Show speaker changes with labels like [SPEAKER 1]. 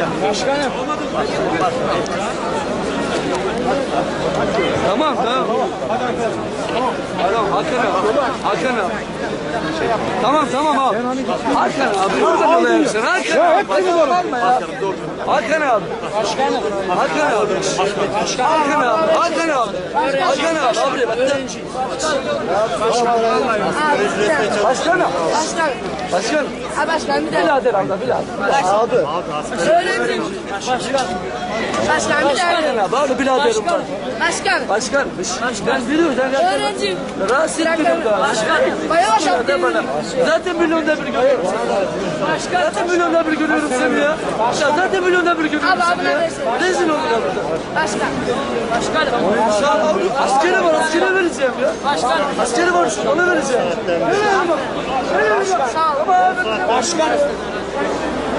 [SPEAKER 1] Başkanım.
[SPEAKER 2] Tamam. Tamam Hakan abi. Tamam abi. Hakan abi. Buradan alayaksın. Hakan abi. Hakan abi.
[SPEAKER 1] Başkanım.
[SPEAKER 2] Hakan abi. Hakan abi. Başkanım.
[SPEAKER 3] Başkan bir de.
[SPEAKER 2] Birader abla. Abi.
[SPEAKER 3] Öğrencim. Başkan bir de.
[SPEAKER 2] Abi biraderim var.
[SPEAKER 3] Başkan.
[SPEAKER 2] Ben biliyorum.
[SPEAKER 3] Öğrencim.
[SPEAKER 2] Rahatsız ettim da.
[SPEAKER 3] Bayağı
[SPEAKER 2] De bana. Zaten milyonda bir görüyorum seni. Zaten milyonda bir görüyorum seni ya. Zaten milyonda bir görüyorum seni ya. Rezil oldun burada.
[SPEAKER 3] Başkanım.
[SPEAKER 2] Askeri var, askere vereceğim ya. Askeri var, ona vereceğim.
[SPEAKER 3] Sağ ol.
[SPEAKER 1] Başkanım.